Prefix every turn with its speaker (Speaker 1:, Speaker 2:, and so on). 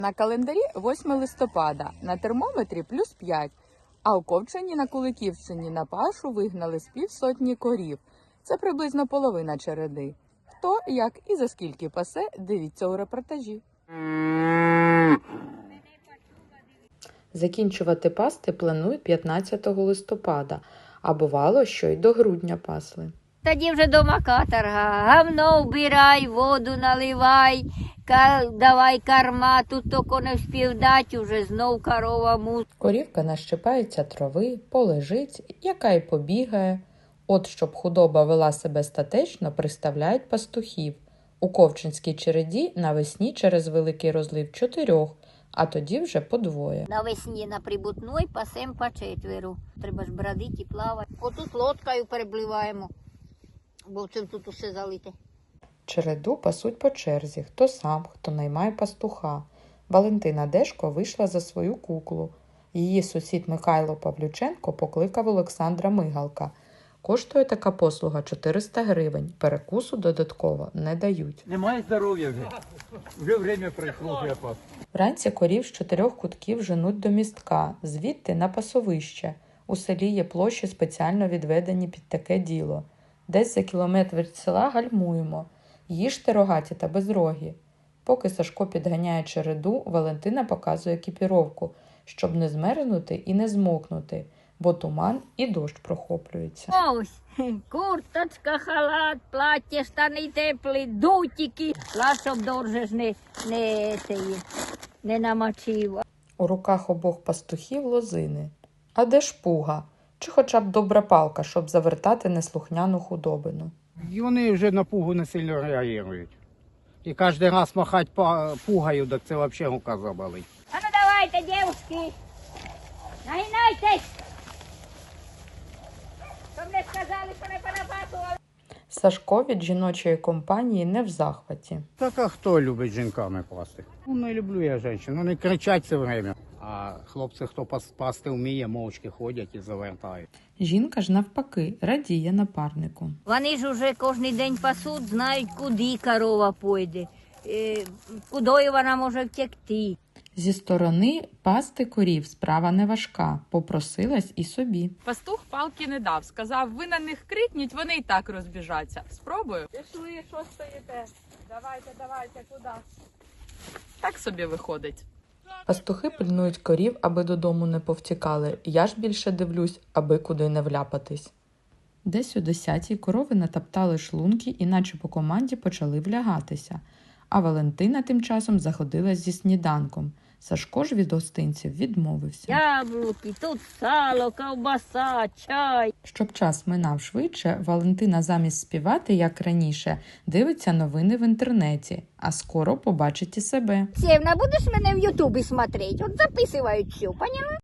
Speaker 1: На календарі 8 листопада, на термометрі плюс 5, а у Ковчині на Куликівщині на пашу вигнали з півсотні корів. Це приблизно половина череди. Хто, як і за скільки пасе, дивіться у репортажі.
Speaker 2: Закінчувати пасти планують 15 листопада, а бувало, що й до грудня пасли.
Speaker 3: Тоді вже дома каторга. Гавно вбирай, воду наливай, давай корма, тут тільки не вспів дати, вже знов корова мусить.
Speaker 2: Корівка нащипається трави, полежить, яка й побігає. От щоб худоба вела себе статечно, приставляють пастухів. У Ковчинській череді навесні через великий розлив 4, а тоді вже по 2.
Speaker 3: Навесні на прибутной пасем по 4. Треба ж бродити і плавати. Отут лодкою перепливаємо, бо цим тут усе залите.
Speaker 2: Череду пасуть по черзі, хто сам, хто наймає пастуха. Валентина Дешко вийшла за свою куклу. Її сусід Михайло Павлюченко покликав Олександра Мигалка. Коштує така послуга 400 гривень, перекусу додатково не дають.
Speaker 4: Немає здоров'я вже. Вже время прийшло, вже пас.
Speaker 2: Вранці корів з 4 кутків женуть до містка, звідти на пасовище. У селі є площі, спеціально відведені під таке діло. Десь за кілометр від села гальмуємо. Їжте рогаті та безрогі. Поки Сашко підганяє череду, Валентина показує екіпіровку, щоб не змерзнути і не змокнути, бо туман і дощ прохоплюється.
Speaker 3: Ось, курточка, халат, плаття, штани теплі, дутики. Щоб дорже ж не намочив.
Speaker 2: У руках обох пастухів лозини. А де ж пуга? Чи хоча б добра палка, щоб завертати неслухняну худобину?
Speaker 4: І вони вже на пугу не сильно реагують. І кожен раз махати пугою, так це взагалі рука заболить.
Speaker 3: А ну давайте, дівчатки, нагинайтесь. Щоб не сказали, що не понапасували.
Speaker 2: Сашко від жіночої компанії не в захваті.
Speaker 4: Так а хто любить жінками пасти? Ну, не люблю я жінок, вони кричать все время. А хлопці, хто пасти вміє, мовчки ходять і завертають.
Speaker 2: Жінка ж навпаки радіє напарнику.
Speaker 3: Вони ж уже кожен день пасуть, знають, куди корова пойде, куди вона може втекти.
Speaker 2: Зі сторони пасти корів справа не важка, попросилась і собі.
Speaker 1: Пастух палки не дав, сказав, ви на них крикніть, вони і так розбіжаться. Спробую. Пішли, що стоїте? Давайте, куди? Так собі виходить.
Speaker 2: Пастухи пильнують корів, аби додому не повтікали. Я ж більше дивлюсь, аби куди не вляпатись. Десь о 10-й корови натоптали шлунки і наче по команді почали влягатися. А Валентина тим часом заходилась зі сніданком. Сашко ж від гостинців відмовився.
Speaker 3: Яблуки, тут сало, ковбаса, чай.
Speaker 2: Щоб час минав швидше, Валентина замість співати, як раніше, дивиться новини в інтернеті, а скоро побачить і себе.
Speaker 3: Сєвна, будеш мене в Ютубі смотреть? От записують все, поняла?